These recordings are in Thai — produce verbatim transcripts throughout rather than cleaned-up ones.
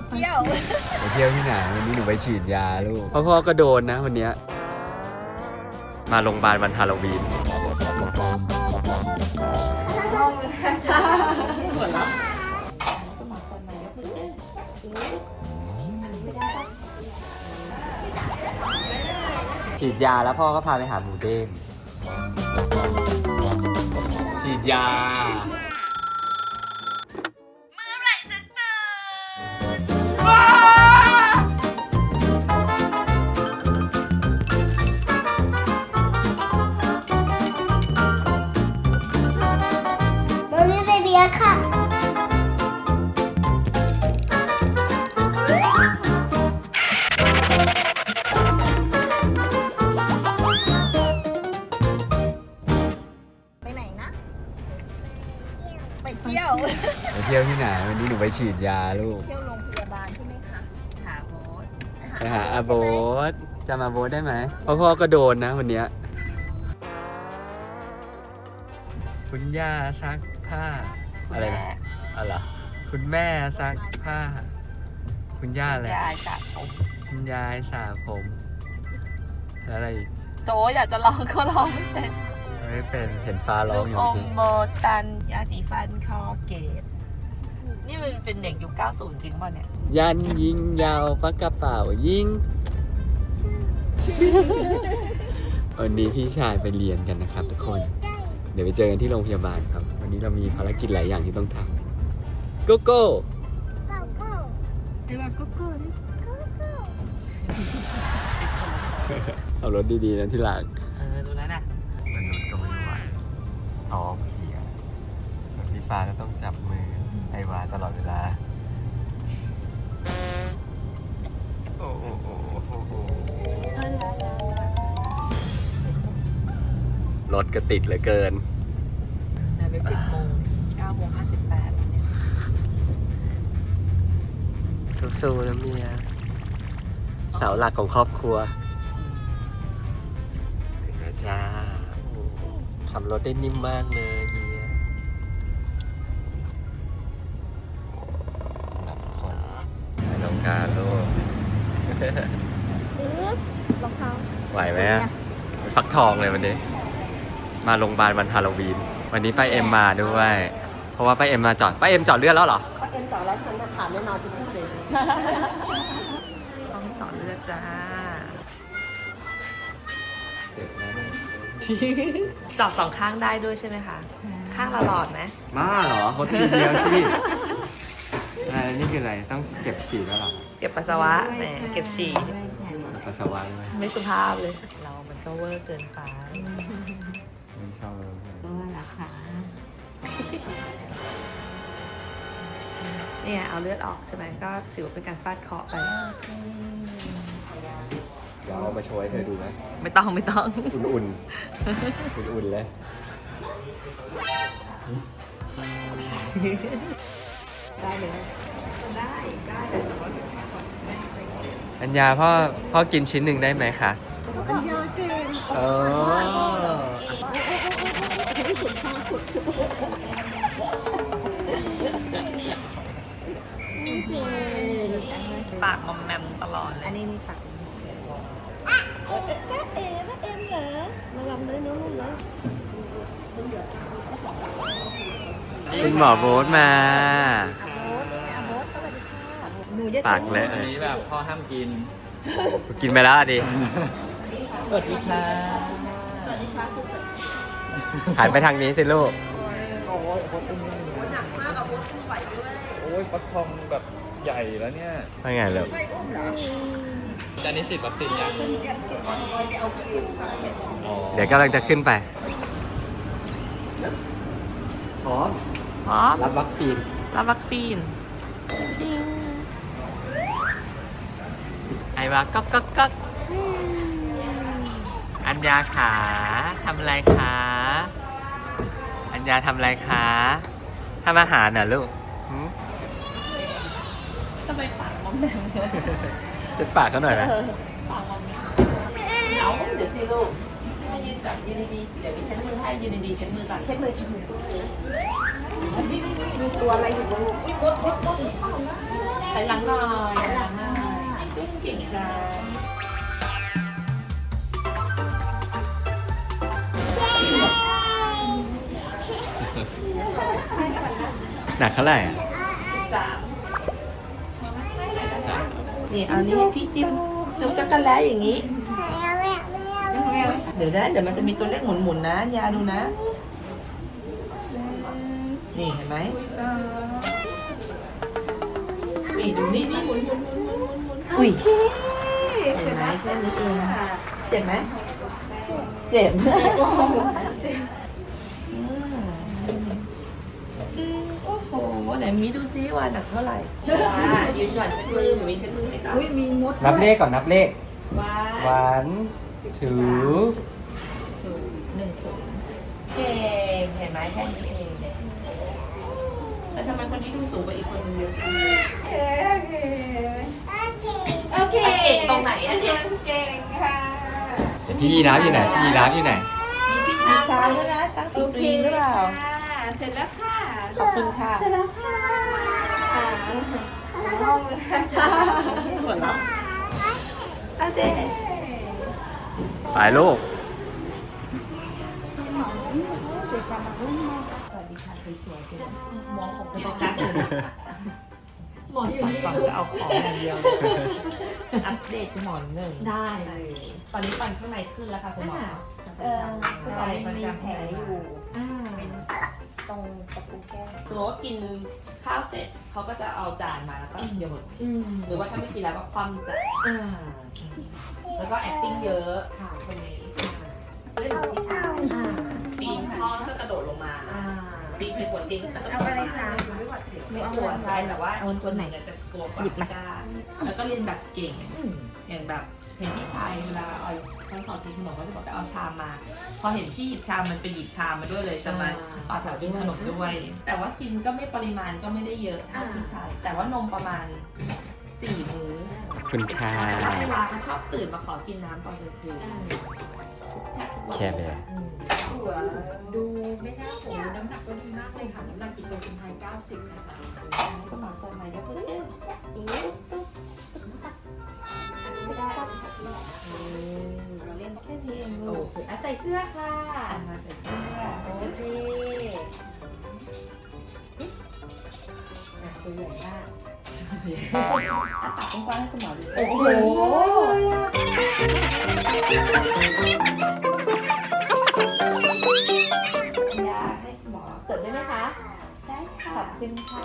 เที่ยวไปเที่ยวที่ไหนวันนี้หนูไปฉีดยาลูกพ่อพ่อก็โดนนะวันนี้มาโรงพยาบาลวันฮาโลวีนฉีดยาแล้วพ่อก็พาไปหาหมูเด้งฉีดยาค่ะไปไหนนะไปเที่ยวไปเที่ยวที่ไหนวันนี้หนูไปฉีดยาลูกเที่ยวโรงพยาบาลใช่ไหมคะหาโบ๊ทไปหาอาโบ๊ทจะมาโบ๊ทได้ไหมพ่อพ่อก็โดนนะวันนี้คุณย่าซักผ้าอะไรนะอะไรคุณแม่ซักผ้าคุณย่าอะไรยายสระผมคุณยายสระผมอะไรอีกโตอยากจะร้องก็ร้องไม่เป็นไม่เป็นเห็นฟ้าร้องอยู่จริงโบตันยาสีฟันคอเกตนี่มันเป็นเด็กยุคเก้าสิบจริงป่ะเนี่ยยันยิงยาวปากกระเป๋ายิงวันนี้พี่ชายไปเรียนกันนะครับทุกคนเดี๋ยวไปเจอกันที่โรงพยาบาลครับวันนี้เรามีภารกิจหลายอย่างที่ต้องทำโกโก้โกโก้เดี๋ยวแบบโกโก้ดิโกโก้เอารถดีๆนะที่หลังเออรู้แล้วนะมันรถก็ไม่ไหวท้องเสียรถพี่ฟ้าก็ต้องจับมือไอวาตลอดเวลาโอ้โหโอ้โหรถก็ติดเหลือเกินน่าไปสิบโมงเก้าโมงห้าสิบแปดเนี่ยสู้ๆนะเมียเสาหลักของครอบครัวถึงแล้วจ้าขับรถได้นิ่มมากเลยเมียหลับคนน้องการลูกรองเท้าไหวไหมฟักทองเลยวันนี้มาโรงพยาบาลวันฮาโลวีนวันนี้ป้าเอ็มมาด้วยเพราะว่าป้าเอ็มมาจอดป้าเอ็มจอดเลือดแล้วเหรอป้าเอ็มจอดแล้วฉันจะผ่านแน่นอนที่พูดเลยต้องจอดเลือดจ้าจอดสองข้างได้ด้วยใช่ไหมคะข้างละหลอดไหมมาเหรอเขาทีเดียวที่อะไรนี่คืออะไรต้องเก็บฉี่แล้วหรอเก็บปัสสาวะแหมเก็บฉี่ปัสสาวะด้วยไม่สุภาพเลยเรามันก็เวอร์เกินไปไม่ชอบเลยก็ราคาเนี่ยเอาเลือดออกใช่ไหมก็ถือว่าเป็นการฟาดเคราะห์ไปเดี๋ยวเอามาโชว์ให้เธอดูไหมไม่ต้องไม่ต้องอุ่นๆอุ่นๆเลยได้เลยได้ได้แต่ว่าอัญญาพ่อพ่อกินชิ้นหนึ่งได้ไหมคะอัญญาเก่งเออปากมอมแมมตลอดอันนี้นี่ปากเอ๊ะเอ๊ะเอ๊ะเอ็มเหรอมาลำเลยน้องลูกนะคุณหมอโบ๊ทมาปากเลยอันนี้แบบพ่อห้ามกินกินไปแล้วดิสวัสดีค่ะสวัสดีค่ะหันไปทางนี้สิลูกโอ้ยโคตรตึงหนักมากอะโคตรไหวด้วยโอ้ยฟักทองแบบใหญ่แล้วเนี่ยว่าไงลูกจานนี้ฉีดวัคซีนยังเดี๋ยวกำลังจะขึ้นไปพร้อมพร้อมรับวัคซีนรับวัคซีนจริงไอ้วะก๊อกก๊อกก๊อกอัญญาขาทำอะไรคะอัญญาทำอะไรคะทำอาหารน่ะลูกทำไมปากมอมแมมเช็ดปากเขาหน่อยนะปากมอมแมมเอาเดี๋ยวสิลูกให้ยืนจับยืนดีๆเดี๋ยวดิฉันมือให้ยืนดีๆเช็ดมือก่อนเช็ดมือเช็ดมือนี่นี่มีตัวอะไรอยู่บนลูกอุ้ยบดบดบดอยหลังหน่อยถอยหลังหน่อยกุ้งเก่งจังหนักเท่าไหร่อะสิบสามนี่เอานี่ให้พี่จิ้มจุ๊บจักรแล้อย่างนี้ เดี๋ยวนะเดี๋ยวมันจะมีตัวเลขหมุนๆนะยาดูนะ นี่เห็นไหมนี่ดูนี่นี่หมุนหมุนหมุนหมุนหมุนหมุนอุ้ยเห็นไหมแค่นี้เองเจ็บไหมเจ็บอืมโอ้โหไหนมีดูซิว่าหนักเท่าไหร่ยืนก่อนเช็ดมือมีเช็ดมือให้ก่อนอุ้ยมีมดนับเลขก่อนนับเลขว้า one two หนึ่งศูนย์เก่งเห็นไหมแค่นี้เองเนี่ยแต่ทำไมคนนี้ดูสูงกว่าอีกคนนึงเยอะจังโอเคเก่งตรงไหนอะเนี่ยเก่งค่ะพี่ยีราฟอยู่ไหนพี่ยีราฟอยู่ไหนมีพี่ช้างด้วยนะช้างสีกรีนหรือเปล่าเสร็จแล้วค่ะขอบคุณค่ะเสร็จแล้วค่ะค่ะห้องเลยค่ะหัวเราะอาเจไปลูกสวัสดีค่ะสวยๆกันมองผมเป็นตัวกั๊กเลยหมอนสองฝั่งจะเอาของอย่างเดียวเลยอัปเดตหมอนหนึ่งได้เลยตอนนี้ฟันข้างในขึ้นแล้วค่ะคุณหมอเออใช่มันมีแผลอยู่อ่าตรงตะปูแก้มสมมติว่ากินข้าวเสร็จเขาก็จะเอาจานมาแล้วก็โยนอืมหรือว่าถ้าไม่กินแล้วก็คว่ำจานอ่าแล้วก็ acting เยอะค่ะคนนี้เล่นกับพี่ชายอ่าปีนท่อแล้วก็กระโดดลงมาอ่าปีนไปหัวเตียงก็กระโดดเอาลงอะไรมาคะไม่กลัวใช่แต่ว่าคนตัวไหนเนี่ยจะกลัวกว่าไม่กล้าแล้วก็เรียนแบบเก่งอืมอย่างแบบเห็นพี่ชายเวลาเอาตอนสอนทีคุณหมอก็จะบอกไปเอาชามมา พอเห็นพี่หยิบชามมันไปหยิบชามมาด้วยเลยจะมาต่อแถวกินขนมด้วย แต่ว่ากินก็ไม่ปริมาณก็ไม่ได้เยอะเท่าพี่ชาย แต่ว่านมประมาณสี่มื้อคุณค่าแต่ว่าเวลาเขาชอบตื่นมาขอกินน้ำตอนกลางคืนแทบทุกวันแชร์ไปเลยหัวดูไม่น่าโหน้ำหนักก็ดีมากเลยค่ะ น้ำหนักกิโลคุณไทยเก้าสิบนะคะก็มาตอนไหนก็เพื่อนอีกอันนี้ไม่ได้เราเล่นแค่นี้เองโอลูกเคอ่ะใส่เสื้อค่ะอ่านมาใส่เสื้อโอเคอ่ะตัวใหญ่มากอ่ะตักกว้างๆให้คุณหมอดูโอ้โหยาให้คุณหมอเกิดได้ไหมคะได้ขค่ะอบคุณค่ะ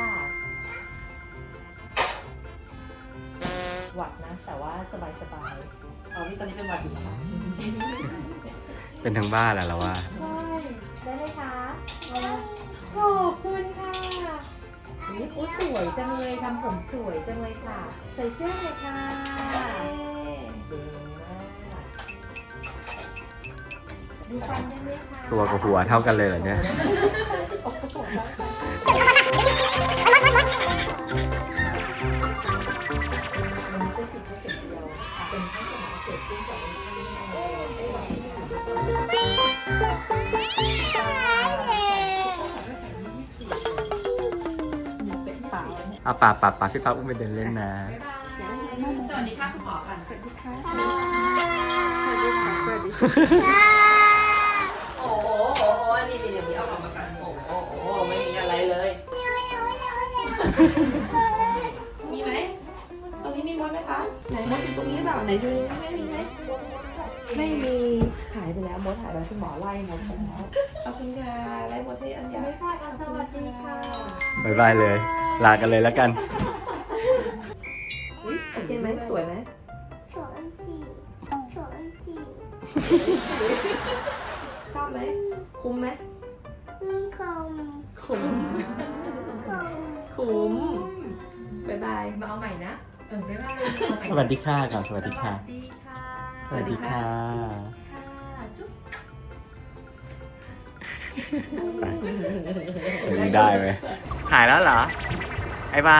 หวัดนะ แต่ว่าสบายสบายอ๋อนี่ตอนนี้เป็นหวัดอยู่นะคะเป็นทั้งบ้านแหละเราว่าใช่ได้ไหมคะขอบคุณค่ะนี่โอ้สวยจังเลยทำผมสวยจังเลยค่ะ ใส่เสื้อเลยค่ะเก่งมากดูฟันได้ไหมคะตัวกับหัวเท่ากันเลยเหรอเนี่ยโอ้โหวันนี้จะฉีดแค่เข็มเดียวเป็นแค่สมองเกิดขึ้นจากวันที่ไม่ไหวเป็นเปล่าเนี่ยเอาป่าป่าป่าพี่ป้าอุ้มไปเดินเล่นนะสวัสดีค่ะคุณหมอค่ะสวัสดีค่ะสวัสดีค่ะสวัสดีโอ้โหโอ้โหนี่นี่เดี๋ยวมีเอาออกมากันโอ้โหโอ้โหไม่มีอะไรเลย มีไหมตรงนี้มีมดไหมคะไหนมดอยู่ตรงนี้หรือเปล่าไหนดูไม่มีไหมไม่มีหายไปแล้วมดหายไปคุณหมอไล่มดไปแล้วขอบคุณค่ะไล่มดให้อันยาไม่พลาดสวัสดีค่ะบายบายเลย ลากันเลยแล้วกันโอเคไหมสวยไหม手机，手机， ชอบไหมคุ้มไหม嗯，空คุ้ม空。 คุ้มบายบายมาเอาใหม่นะ เออไม่ได้สวัสดีค่ะก่อนสวัสดีค่ะดีค่ะสวัสดีค่ะค่ะจุ๊บยังได้ไหมหายแล้วเหรอ ไอ้บา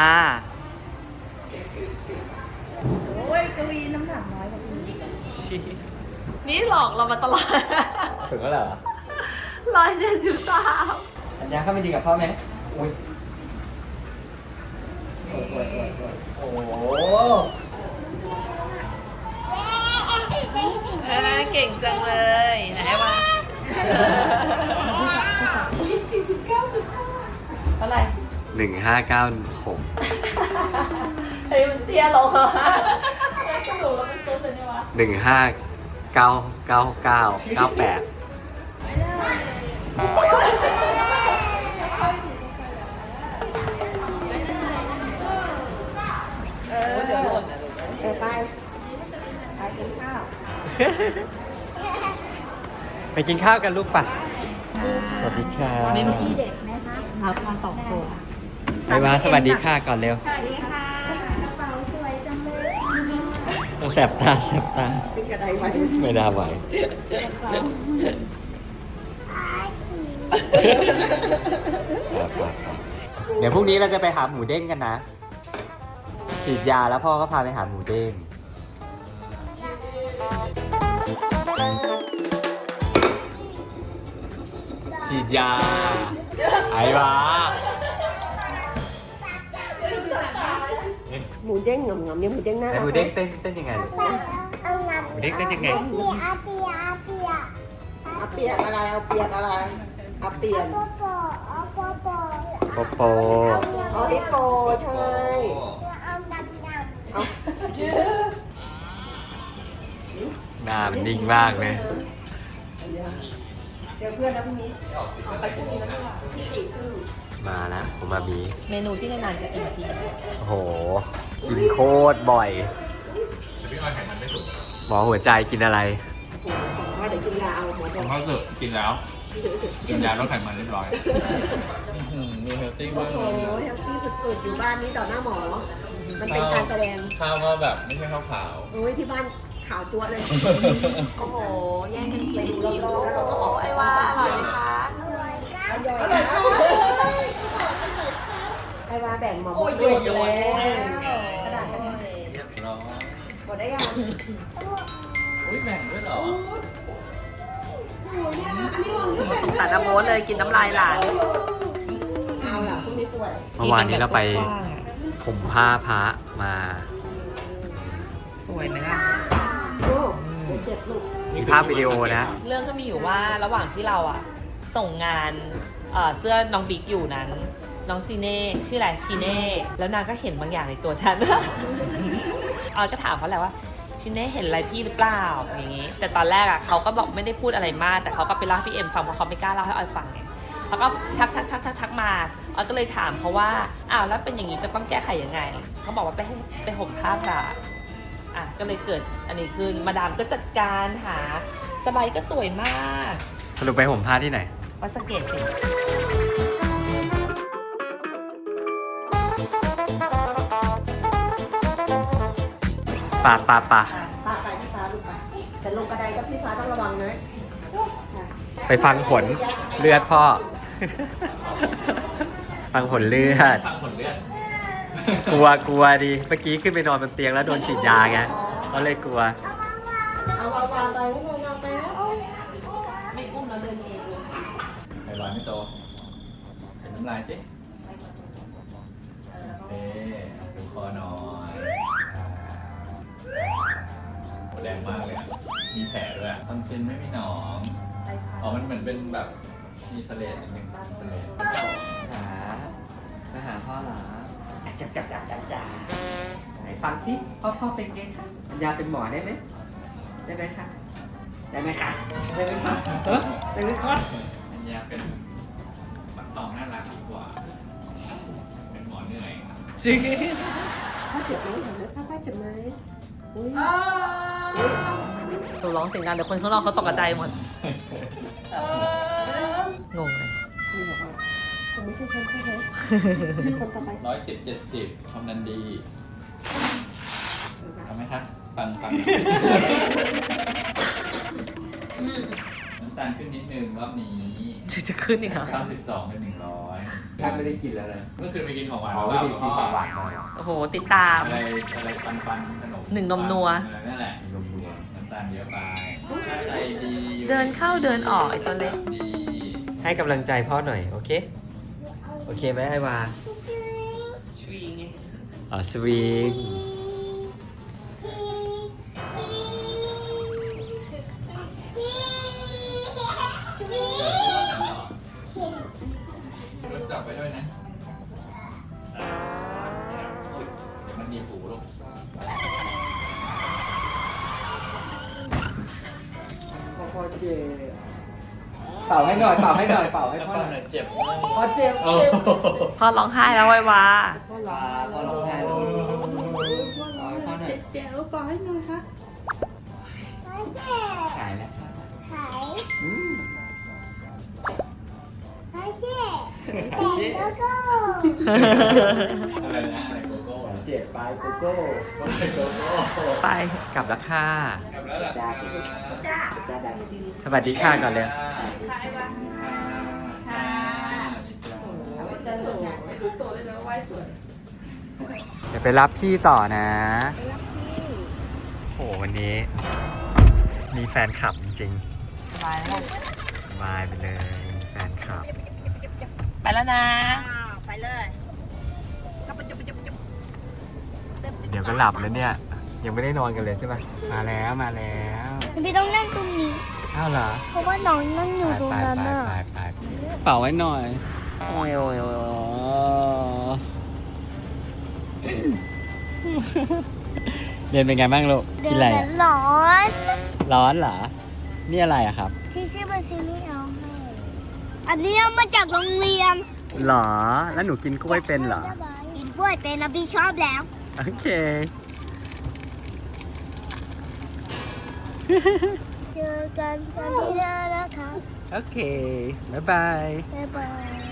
โอ้ยกวีน้ำหนักน้อยกว่าคุณนี่หลอกเรามาตลอดถึงแล้วเหรอร้อยเจ็ดสิบสามอันยาเข้าไปดีกับพ่อไหมอุ้ยโอ้โหเก่งจังเลยไหนวะสี่สิบเก้าจุดห้าเท่าไหร่หนึ่งห้าเก้าหกเฮ้ยมันเตี้ยลงเหรอแล้วกระดูกแล้วมันซุดเลยเนี่ยวะหนึ่งห้าเก้าเก้าเก้าเก้าแปดเออเดี๋ยวหล่นนะเออไป ไปกินข้าวไปกินข้าวกันลูกป่ะสวัสดีค่ะเมนูที่เด็กนะคะรับมาสองตัวไปมาสวัสดีค่ะก่อนเร็วสวัสดีค่ะกระเป๋าสวยจังเลยต้องแสบตาแสบตาเป็นกระไดไว้ไม่ได้ไหวอาชีครับครับครับเดี๋ยวพรุ่งนี้เราจะไปหาหมูเด้งกันนะ ฉีดยาแล้วพ่อก็พาไปหาหมูเด้ง ฉีดยา ไอ้วะหมูเด้งงอมๆเนี่ยหมูเด้งน่าไอ้รักหมูเด้งเต้นเต้นยังไงลูกเอางานหมูเด้งเต้นยังไงอาเปียอาเปียอาเปียเอาเปียกอะไร เอาเปียกอะไร เอาเปลี่ยนปอปอเอาปอปอโปโปเอาฮิปโปใช่เอาดำดำเอาหน้ามันนิ่งมากเลยเจอเพื่อนแล้วพรุ่งนี้มาแล้วผมมามีเมนูที่นานๆจะกินทีโอ้โห กินโคตรบ่อยหมอหัวใจกินอะไรว่าเดี๋ยวกินยาเอาหมอผบอกมเขาสึกกินแล้ว กินยาลดไขมันเรียบร้อยมีเฮลตี้โอ้มากโหเลยเฮลตี้สุดๆ อยู่บ้านนี้ต่อหน้าหมอ มันเป็นการแสดงข้าวก็แบบไม่ใช่ข้าวขาวโอ้ยที่บ้านขาวจั๊วะเลยโอ้โหแย่งกันกินไปอีดูกทีรอบๆแล้วเราก็ออกไอ้ว่าอร่อยไหมคะอร่อยค่ะไอ้วาแบ่งหมอบอกโยนแล้วกระดาษกระดาษเรียบร้อยหมดได้ยังอุ้ยแบ่งด้วยเหรอสงสารน้ำโมดเลยกินน้ำลายหลานเอาล่ะพรุ่งนี้ป่วยเมื่อวานนี้เราไปผมผ้าพระมาสวยไหมล่ะโอ้เดี๋ยวเจ็บลูกมีภาพวิดีโอนะเรื่องก็มีอยู่ว่าระหว่างที่เราอ่ะส่งงานเอ่อเสื้อน้องบิ๊กอยู่นั้น น้องซีเน่ชื่ออะไรชีเน่แล้วนางก็เห็นบางอย่างในตัวฉัน ออยก็ถามเขาแหละว่าชิเน่เห็นอะไรพี่หรือเปล่าอย่างงี้ แต่ตอนแรกอ่ะเขาก็บอกไม่ได้พูดอะไรมาก แต่เขาก็ไปเล่าให้พี่เอ็มฟังเพราะเขาไม่กล้าเล่าให้ออยฟังไงเขาก็ทักทักทักทักทักมาออยก็เลยถามเขาว่าอ้าวแล้วเป็นอย่างนี้จะต้องแก้ไขยังไงเขาบอกว่าไปให้ไปห่มผ้าพระอ่ะก็เลยเกิดอันนี้ขึ้นมาดามก็จัดการหาสบายก็สวยมากสรุปไปห่มผ้าที่ไหนวัดสะเกตสิป่าป่าป่าป้าไปพี่ฟ้าลูกไปแต่ลงกระไดก็พี่ฟ้าต้องระวังนะไปฟังผลเลือดพ่อ ฟังผลเลือดฟังผลเลือดกลัวกลัวดิ เมื่อกี้ขึ้นไปนอนบนเตียงแล้วโดนฉีดยาไงก็เลยกลัวเอาวางวางไปไม่ลงวางไปแล้วไม่อุ้มแล้วเดินเองไข่ร้อนไม่โตเห็นน้ำลายสิโอเคดูคอหน่อยโหแรงมากเลยอะมีแผลด้วยทำซินไม่มีหนองอ๋อมันเหมือนเป็นแบบมีสเลดนิดนึงสเลดหามาหาพ่อเหรอจับจับจับจับจับไหนฟังสิพ่อพ่อเป็นไงคะปัญญาเป็นหมอได้ไหมได้ไหมคะได้ไหมคะได้ไหมคะเออได้ไหมคะอันนี้เป็นปักตองน่ารักดีกว่า เป็นหมอเหนื่อยครับจริงป้าเจ็บไหมถามเลยป้าป้าเจ็บไหมอุ้ยถูกร้องเสียงดังเดี๋ยวคนข้างนอกเขาตกใจหมดงงเลยนี่บอกว่าคงไม่ใช่ฉันใช่ไหมคนต่อไปร้อยสิบเจ็ดสิบความดันดีทำไหมครับฟังฟังน้ำตาลขึ้นนิดนึงรอบนี้จะจะขึ้นอีกเหรอเก้าสิบสองเป็นหนึ่งร้อยแทบไม่ได้กินแล้วนะเมื่อคืนไปกินของหวานอ๋อหรือไม่เปล่าได้กินของหวานโอ้โห ติดตามอะไรอะไรปันปันขนมหนึ่งนมนัวเออนั่นแหละนมนัวน้ำตาลเยอะไปใจดีเดินเข้าเดินออกไอ้ตัวเล็กดีให้กำลังใจพ่อหน่อย โอเค โอเคไหมไอวาชีไงอ๋อสวิงรถจับไปด้วยนะอ่าเดี๋ยวมันหนีบหูลูกพ่อเจ็บเป่าให้หน่อยเป่าให้หน่อยเป่าให้แล้วพ่อป้าหหน่น่อยอยเจ็บพ่อเจ็บโอ้เจ็บโหพ่อร้องไห้แล้วไววาพ่อร้องพ่อร้องไห้แล้วเป่าให้พ่อหน่อยเจ๊เป่าให้หน่อยค่ะหายแล้วค่ะหายอืมหายสิแต่แล้วก็อะไรนะอะไรโกโก้เหรอเจ็บไปโกโก้อะไรโกโก้ไปกลับแล้วค่ะกลับแล้วเหรอจ้าจ้าสวัสดีค่ะก่อนเลยค่ะเอาไว้เดินหลงไม่รู้ตัวเลยนะไหว้สวยเดี๋ยวไปรับพี่ต่อนะโหวันนี้ มีแฟนคลับจริงสบายแล้วๆสบายไปเลยมีแฟนคลับไปแล้วนะไปเลยก็ไปจุบจุบจุบเดี๋ยวก็หลับแล้วเนี่ย ยังไม่ได้นอนกันเลยใช่ไหมมาแล้วมาแล้วพี่ต้องนั่งตรงนี้อ้าวเหรอเพราะว่าน้องนั่งอยู่ไปตรงไปนั้นไปน่ะไปไปเป่าไว้หน่อยโอ้ยโอ้ยโอ้ยเรียนเป็นไงบ้างลูกกินอะไรเดิอะนร้อนร้อนเหรอ นี่อะไรอะครับที่ชื่อมาซินี่เอาให้อันนี้เอามาจากโรงเรียนหรอ แล้วหนูกินกล้วยเป็นเหรอกินกล้วยเป็นนะพี่ชอบแล้วโอเคเจอกันตอนที่หน้านะคะโอเค บ๊ายบายบ๊ายบาย